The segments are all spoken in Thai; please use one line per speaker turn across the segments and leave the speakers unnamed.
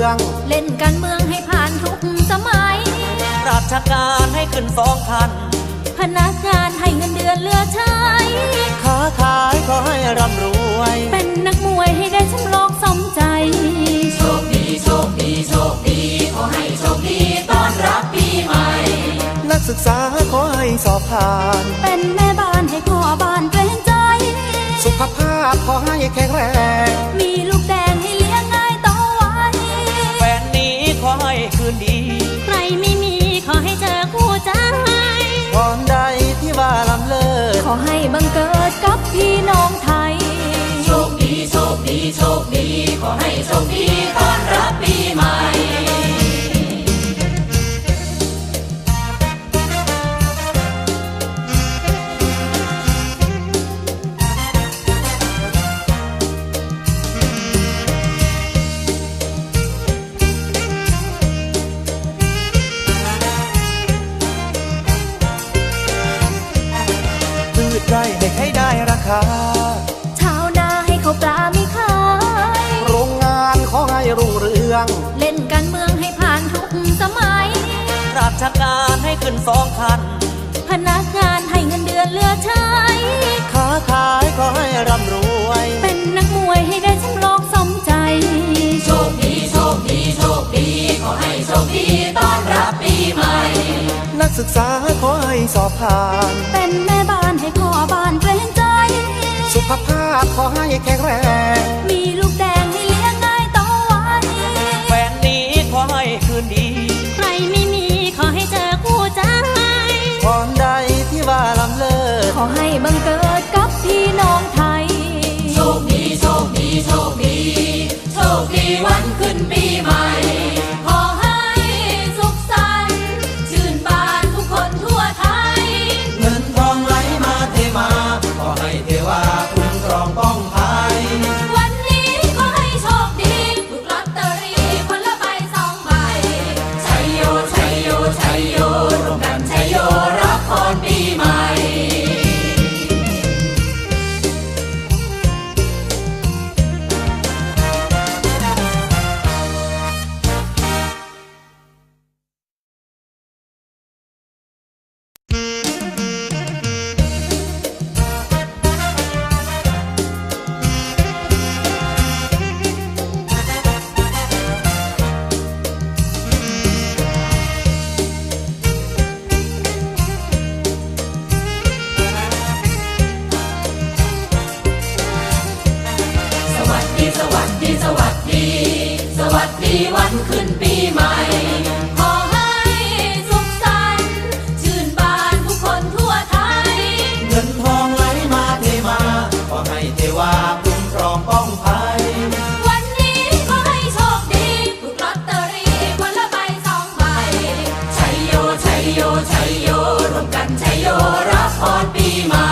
อง
เล่นการเมืองให้ผ่านทุกสมัย
ราชการให้ขึ้น2 ขั้น
พนักงานให้เงินเดือนเหลือใช้
ค้าขายขอให้ร่ำรวย
เป็นนักมวยให้ได้แชมป์โลกสมใจ
โชคดีโชคดีโชคดีขอให้โชคดีต้อนรับปีใหม่
นักศึกษาขอให้สอบผ่าน
เป็นแม่บ้านให้พ่อบ้านเกรงใจ
สุขภาพขอให้แข็งแรง
มีลูกแดงให้เลี้ยงง่ายโตไว
แฟนนี้ขอให้คืนดี
ใครไม่มีขอให้เจอคู่ใจ
พรใดที่ว่าล้ำเลิศ
ขอให้บังเกิดกับพี่น้องไทย
โชคดีโชคดีโชคดีขอให้โชคดีต้อนรับปีใหม่
ได้ให้ได้ราคา
ชาวนาให้เขาปลาไม่ขาย
โรงงานขอให้รุ่งเรือง
เล่นการเมืองให้ผ่านทุกสมัย
ราชการให้ขึ้น2 ขั้น
พนักงานให้เงินเดือนเหลือใช้
ค้าขายขอให้ร่ำรวย
เป็นนักมวยให้ได้แชมป์โลกสมใจ
โชคดีโชคดีโชคดีขอให้โชคดีต้อนรับปีใหม่
นักศึกษาขอให้สอบผ่าน
เป็นแม่บ้านให้พ่อบ้านเกรงใจ
สุขภาพขอให้แข็งแรง
มีลูกแดงให้เลี้ยงง่ายโตไว
แฟนนี้ขอให้คืนดี
ใครไม่มีขอให้เจอคู่ใจ
พรใดที่ว่าล้ำเลิศ
ขอให้บังเกิดกับพี่น้องไทย
โชคดีโชคดีโชคดีโชคดีวันขึ้นปีใหม่ขอให้สุขสันต์ชื่นบานทุกคนทั่วไทย
เงินทองไหลมาเทมาขอให้เทวาคุ้มครองป้องภัย
วันนี้ขอให้โชคดีถูกลอตเตอรี่คนละใบ2 ใบชัยโยชัยโยชัยโยร่วมกันชัยโยรับพรปีใหม่สวัสดีวันขึ้นปีใหม่ขอให้สุขสันต์ชื่นบานทุกคนทั่วไทย
เงินทองไหลมาเทมาขอให้เทวาคุ้มครองป้องภัย
วันนี้ขอให้โชคดีถูกลอตเตอรี่คนละใบ2 ใบชัยโยชัยโยชัยโยร่วมกันชัยโยรับพรปีใหม่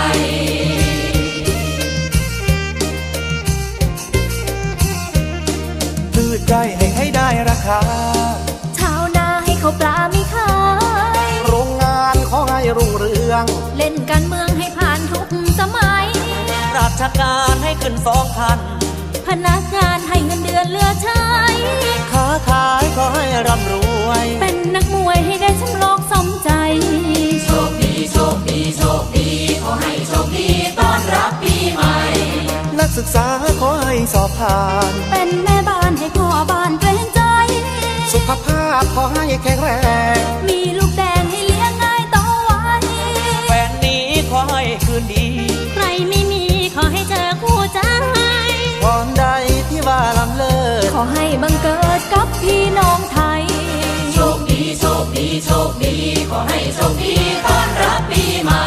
พืชได้ให้ได้ราคา
ชาวนาให้เขาปลาไม่ขาย
โรงงานขอให้รุ่งเรือง
เล่นการเมืองให้ผ่านทุกสมัย
ราชการให้ขึ้น2 ขั้น
พนักงานให้เงินเดือนเหลือใช้
ค้าขายขอให้ร่ำรวย
เป็นนักมวยให้ได้แชมป์โลกสมใจ
โชคดีโชคดีโชคดีขอให้โชคดีต้อนรับปีใหม่
นักศึกษาขอให้สอบผ่าน
เป็นแม่บ้านให้พ่อบ้านเกรงใจ
สุขภาพขอให้แข็งแรง
มีลูกแดงให้เลี้ยงง่ายโตไว
แฟนนี้ขอให้คืนดี
ใครไม่มีขอให้เจอคู่ใจ
พรใดที่ว่าล้ำเลิศ
ขอให้บังเกิดกับพี่น้องไทย
โชคดีโชคดีโชคดีขอให้โชคดีต้อนรับปีใหม่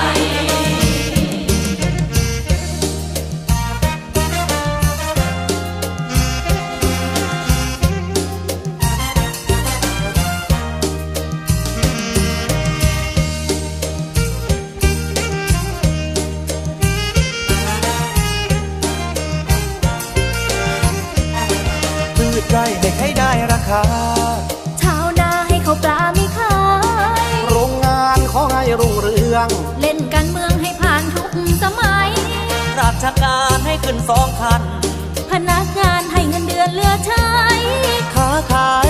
ได้ให้ได้ราคา
ชาวนาให้เขาปลาไม่ขาย
โรงงานขอให้รุ่งเรือง
เล่นการเมืองให้ผ่านทุกสมัย
ราชการให้ขึ้น2 ขั้น
พนักงานให้เงินเดือนเหลือใช้
ค้าขาย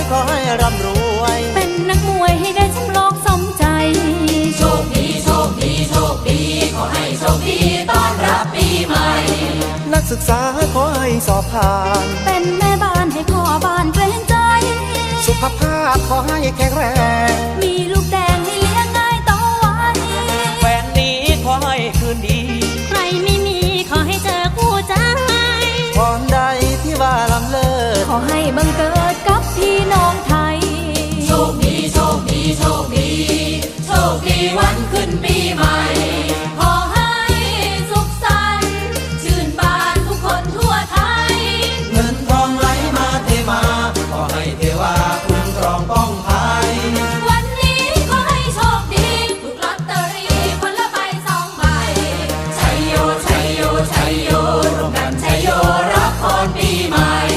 ศึกษาขอให้สอบผ่าน
เป็นแม่บ้านให้พ่อบ้านเกรงใจ
สุขภาพขอให้แข็งแรง
มีลูกแดงให้เลี้ยงง่ายโตไว
แฟนนี้ขอให้คืนดี
ใครไม่มีขอให้เจอคู่ใจ
พรใดที่ว่าลำเลิศ
ขอให้บังเกิดกับพี่น้องไทย
โชคดีโชคดีโชคดีโชคดีวันขึ้นปีใหม่ ขอให้สุขสันต์ชื่นบานทุกคนทั่วไทย
เงินทองไหลมาเทมาขอให้เทวาคุ้มครองป้องภัย
วันนี้ขอให้โชคดีถูกลอตเตอรี่คนละใบ2 ใบชัยโยชัยโยชัยโยร่วมกันชัยโยรับพรปีใหม่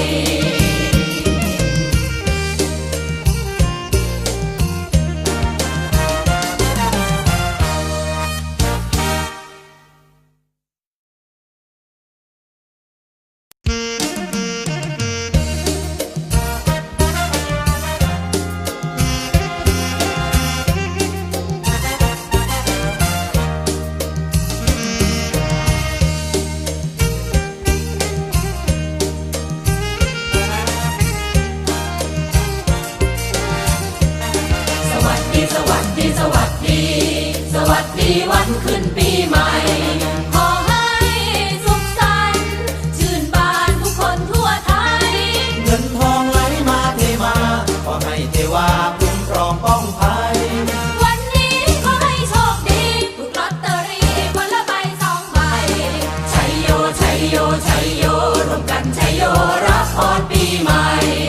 สวัสดีสวัสดีสวัสดี สวัสดีวันขึ้นปีใหม่ ขอให้สุขสันต์ชื่นบานทุกคนทั่วไทย
เงินทองไหลมาเทมาขอให้เทวาคุ้มครองป้องภัย
วันนี้ขอให้โชคดีถูกลอตเตอรี่คนละใบ2 ใบชัยโยชัยโยชัยโยร่วมกันชัยโยรับพรปีใหม่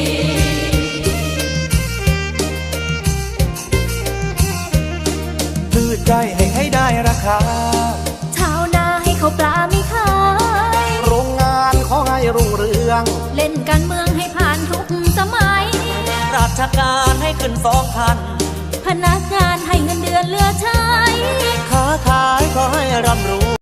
พืชได้ให้ได้ราคา
ชาวนาให้เขาวปลามีขาย
โรงงานขอให้รุ่งเรือง
เล่นการเมืองให้ผ่านทุกสมัย
ราชการให้ขึ้น2,000
พนักงานให้เงินเดือนเหลือใช้
ค้าขายขอให้ร่ำร